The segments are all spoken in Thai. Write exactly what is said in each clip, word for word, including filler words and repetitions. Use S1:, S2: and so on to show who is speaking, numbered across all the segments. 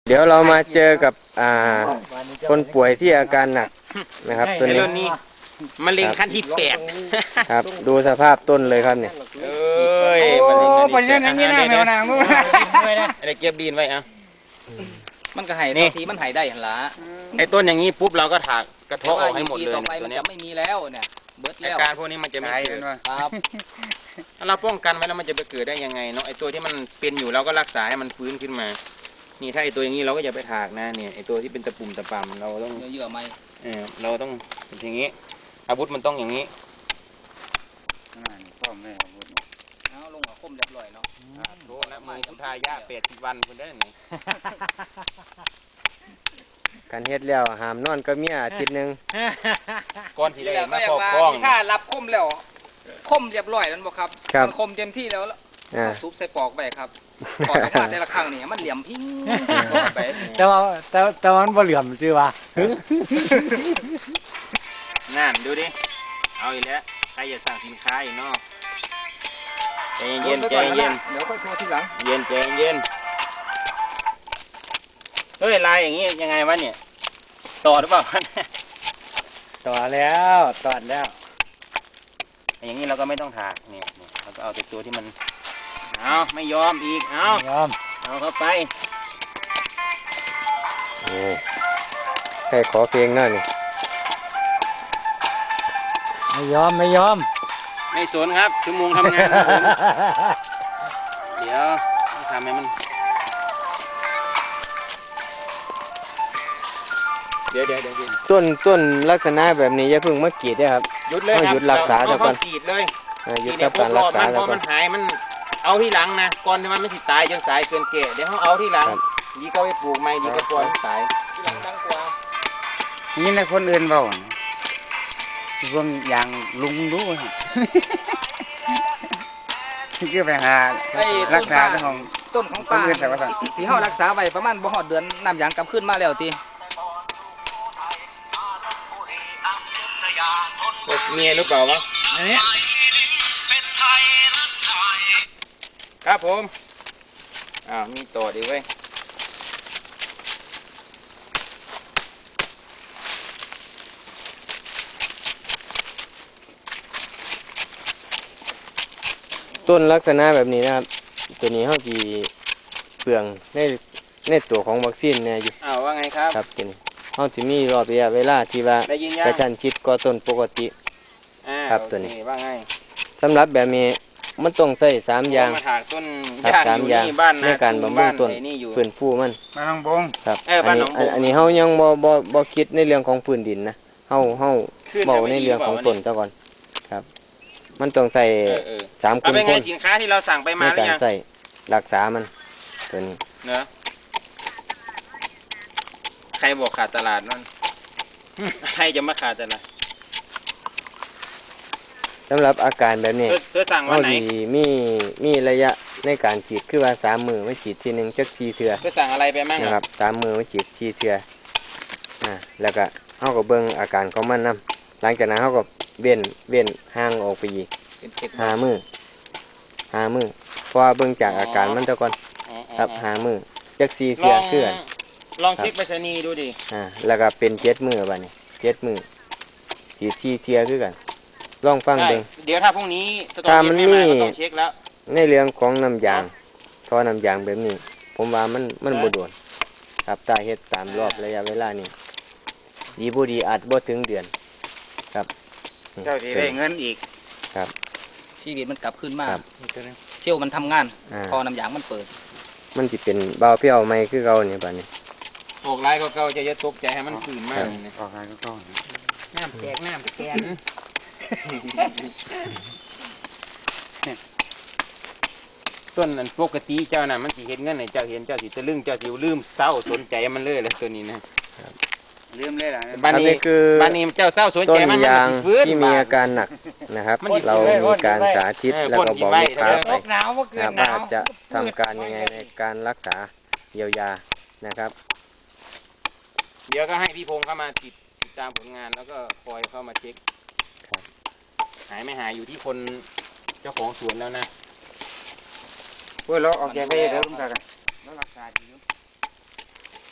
S1: เดี๋ยวเรามาเจอกับอ่าคนป่วยที่อาการหนักนะครับตัวนี้
S2: นี้มะเร็งขั้นที่แปด
S1: ครับดูสภาพต้นเลยครับเนี่ย
S2: เอ้ยมะเร็งขั้นที่แปดนี่นะแมวนางนู้นอะไรเก็บดินไว้อ่ะ
S3: มันก็ไห้ตัวทีมันไห้ได้หันละ
S2: ไอ้ต้นอย่างนี้ปุ๊บเราก็ถากกระเทาะออกให้หมดเลยตัวนี้
S3: ไม่มีแล้วเนี่ยเบิร์ดแล้ว
S2: อาการพวกนี้มันจะไม่เกิด
S3: ครับ
S2: ถ้าเราป้องกันไว้แล้วมันจะไปเกิดได้ยังไงเนาะไอ้ตัวที่มันเป็นอยู่เราก็รักษาให้มันฟื้นขึ้นมานี่ถ้าไอตัวอย่างนี้เราก็อย่าไปถากนะเนี่ยไอตัวที่เป็นตะปุ่มตะปำเราต้อง
S3: เยื่อไม้
S2: เออเราต้องอย่างนี้อาวุธมันต้องอย่างนี้
S3: พ่อแม่อาวุธเอาลงหัวคมเรียบร้อยเนาะ
S2: โทษนะมือพุทธายะแปดสิบวันคนได้ไหน
S1: การเฮ็ดแล้วหามนอนก็มีอาทิตย์นึง
S2: ก้อนที่ได้มาครอบครอง
S3: พิซซ่ารับคมแล้วคมเรียบร้อยแล้วบอกครับมันคมเต็มที่แล้วซุปใส่ปอกไปครับปอกออกมาแต่ละครั้งนี่มันเหลี่ยมพิ้ง
S4: แต่ว่าแต่แต่มันบ่เหลี่ยมซื่อว่า
S2: นั่นดูดิเอาอีกแล้วใครจะสั่งสินค้าอีกเนาะใจเย็นใจเย็น
S3: เดี๋ยวค่อยโทรทีหลัง
S2: เย็นใจเย็นเฮ้ยลายอย่างงี้ยังไงวะเนี่ยต่อหรือเปล่า
S4: ต่อแล้วต่อแล้ว
S2: อย่างนี้เราก็ไม่ต้องถากเนี่ยเราก็เอาแต่ตัวที่มันเอาไม่ยอมอีกเอา
S4: ยอม
S2: เอาเข้าไป
S1: โอ้ใครขอเพลงหน่อยนี่
S4: ไม่ยอมไม่ยอม
S2: ไม่สนครับชั่วโมงทำงานผมเดี๋ยวทำให้มันเดี๋ยวเดี๋ยวเดี๋ยว
S1: ต้นต้นลักษณะแบบนี้อย่าเพิ่งมากรีดได้ครับ
S2: หยุดเลยครับ
S1: หยุดรักษา
S2: แล้วก็กรีดเลย
S1: หยุดการรักษา
S2: แล้วก็มันหายมันเอาที่หลังนะก่อนที่มันไม่สิตายจนสายเกินเกะเดี๋ยวเขาเอาที่หลังดีก็ไปปลูกใหม่ดีก็ปล่อยตายที่หลังดังกว่า
S4: นี่นะคนอื่นเบาพวกอย่างลุงรู้คือไปหารักษาเรื่องของ
S3: ต้นของป้าที่เขารักษาไว้ประมาณบ่หอดเดือนน้ำยางกลับขึ้นมาแล้วที
S2: เมียหรือเปล่าวะอันนี้ครับผมอ้าวมีต่อดีเว้ย
S1: ต้นลักษณะแบบนี้นะครับตัวนี้เขาจีเปลืองในในตัวของวัคซีนเนี่ยอยู่
S2: อ้าวว่าไงครับ
S1: ครับกินเขาจะมีรอบระยะเวลาที่ว่ากระชั้นชิดกว่าต้นปกติครับตัวนี้
S2: ว่าไง
S1: สำหรับแบบนี้มันต้องใส่สามอย่าง
S2: ครับ
S1: สามอย่างในการบำรุงต้นพื้นฟูมัน
S4: มาทางบง
S1: ครับอันนี้อันนี้เขายังบ่บ่บ่คิดในเรื่องของพื้นดินนะเขาเขาเบาในเรื่องของต้นซะก่อนครับมันต้องใส่สามคุณ
S2: คนสินค้าที่เราสั่งไปมาหรือยัง
S1: ใส่รักษามันตัวนี้
S2: เนอะใครบอกขาดตลาดนั่นใครจะมาขาดตลาด
S1: สำหรับอาการแบบนี้
S2: เธอสั่งวันไหน
S1: มีมีระยะในการฉีดคือว่าสามมือไม่ฉีดทีหนึ่งจักสี่เถื่อ
S2: เธอสั่งอะไรไปมั่ง
S1: นะครับสามมือไม่ฉีดสี่เถื่ออ่าแล้วก็เขาก็เบิ่งอาการของมันนำหลังจากนั้นเขาก็เว้นเว้นห่างออกไปอีกห้ามือห้ามือเพราะเบิ่งจากอาการมันตะก่อนครับห้ามือจักสี่เถื่อเชื่อ
S2: ลองเช็คไปรษณีย์ดูดิ
S1: อ่าแล้วก็เป็นเจ็ดมือบ้านี้เจ็ดมือฉีดสี่เถื่อคือกันลองฟังเบิ่ง
S2: เดี๋ยวถ้าพรุ่งนี้ถ้ามันมีต้องเช็คแล้ว
S1: ในเรื่องของน้ำยางท่อน้ำยางแบบนี้ผมว่ามันมันบ่โดนครับตาเฮ็ดตามรอบระยะเวลานี้ดีบ่ดีอาจบ่ถึงเดือนครับ
S2: เจ้าที่ได้เงินอีก
S1: ครับ
S3: ชีวิตมันกลับขึ้นมาเชี่ยวมันทำงานท่อน้ำยางมันเปิด
S1: มันสิเป็นเบาเพี้ยวไหมคือเก่าเนี่ยบัดนี้
S2: ออกลายก็เก่าจะจะตกใจให้มันฟื้นมาก
S4: ออกลายก็เก่า
S2: น้ำแตกน้ำแกนต้นนั้นปกติเจ้าน่ะมันสิเห็นเงินไหนเจ้าเห็นเจ้าสิตะลึงเจ้าสิลืมเศร้าสนใจมันเลยแล้วตัวนี้นะ
S4: ลืมเลยล่ะ
S2: บ้านนี้คือบ้านนี้เจ้าเศร้าสนใจมัน
S1: ต้นยางที่มีอาการหนักนะครับเรามีการสาธิตแล้วก็บอกลูกค้าไปว่าจะทำการยังไงในการรักษาเยียวยานะครับ
S2: เดี๋ยวก็ให้พี่พงษ์เข้ามาติดติดตามผลงานแล้วก็คอยเข้ามาเช็คหายไม่หายอยู่ที่คนเจ้าของสวนแล้วนะ
S4: เพื่อเราออกแกไปเดี๋ยวลุงตากันแล้วรักษาดี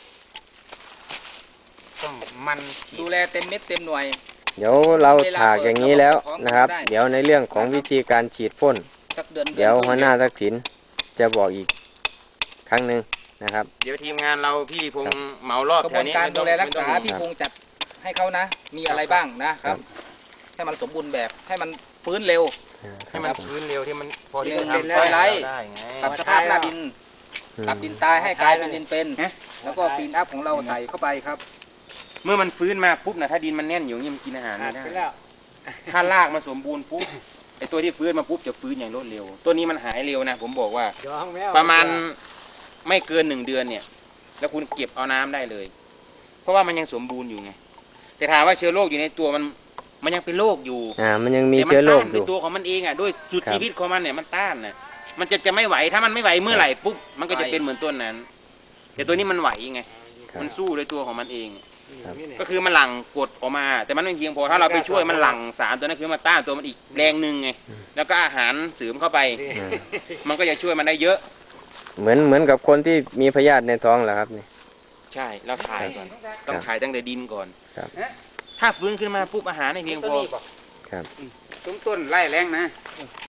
S2: ต้มมันฉี
S3: ดู
S2: ด
S3: แลเต็มเม็ดเต็มหน่วย
S1: เดี๋ยวเราถากอย่างนี้แล้วนะครับ เดี๋ยวในเรื่องของวิธีการฉีดพ่น
S3: สักเดือน
S1: เดี๋ยวหัวหน้าทักษิณจะบอกอีกครั้งหนึ่งนะครับ
S2: เดี๋ยวทีมงานเราพี่พงษ์เหมารอบ
S3: กระ
S2: แถ
S3: บว
S2: วน นี้
S3: การ
S2: ไม่
S3: ดู
S2: ต้อง
S3: แลรักษา
S2: ไม่ต้อง
S3: พี่พงษ์จัดให้เขานะ มีอะไรบ้างนะครับ ให้มันสมบูรณ์แบบให้มันฟื้นเร็ว
S2: ให้มันฟื้นเร็วที่มันพอที่จะ
S3: เป็น
S2: ทำ
S3: ซอยไร้
S2: ได้ไง
S3: ปรับสภาพหน้าดินปรับดินตายให้กลายเป็นดินเป็น แล้วก็ฟีนอัพของเราใส่เข้าไปครับ
S2: เมื่อมันฟื้นมาปุ๊บนะถ้าดินมันแน่นอยู่อย่างนี่มันกินอาหารไม่ได้ถ้ารากมันสมบูรณ์ปุ๊บไอตัวที่ฟื้นมาปุ๊บจะฟื้นอย่างรวดเร็ว ตัวนี้มันหายเร็วนะ ผมบอกว่า ประมาณไม่เกินหนึ่งเดือนเนี่ย แล้วคุณเก็บเอาน้ำได้เลย เพราะว่ามันยังสมบูรณ์อยู่ไงแต่ถามว่าเชื้อโรคอยู่ในตัวมันมันยังเป็นโรคอยู่
S1: อ่ามันยังมี
S2: แต่มั
S1: เชื้อโรค
S2: ต้าน
S1: อ
S2: ใน
S1: ยู่
S2: ตัวของมันเองอ่ะด้วยสุด
S1: ครับ
S2: ชีวิตของมันเนี่ยมันต้านน่ะมันจะจะไม่ไหวถ้ามันไม่ไหวเมื่อไหร่ปุ๊บมันก็จะเป็นเหมือนต้นนั้น แต่ตัวนี้มันไหวไง
S1: ครับ
S2: มันสู้ด้วยตัวของมันเอง
S1: ครับ
S2: ก็คือมันหลั่งกรดออกมา แต่มันไม่เพียงพอถ้าเราไปช่วยมันหลั่งสารตัวนั้นคือมาต้านตัวมันอีกแรงหนึ่งไงแล้วก็อาหารเสริมเข้าไป
S1: อ่า
S2: มันก็จะช่วยมันได้เยอะ
S1: เหมือนเหมือนกับคนที่มีพยาธิในท้องแหละครับนี่
S2: ใช่เราถ่ายก่อนต้องถ่ายตั้งแต่ดินก่อน
S1: ครับ
S2: ถ้าฟื้นขึ้นมาปุ๊บอาหารไม่เพียงพอ
S1: ครับ
S4: ต้นต้นไล่แรงนะ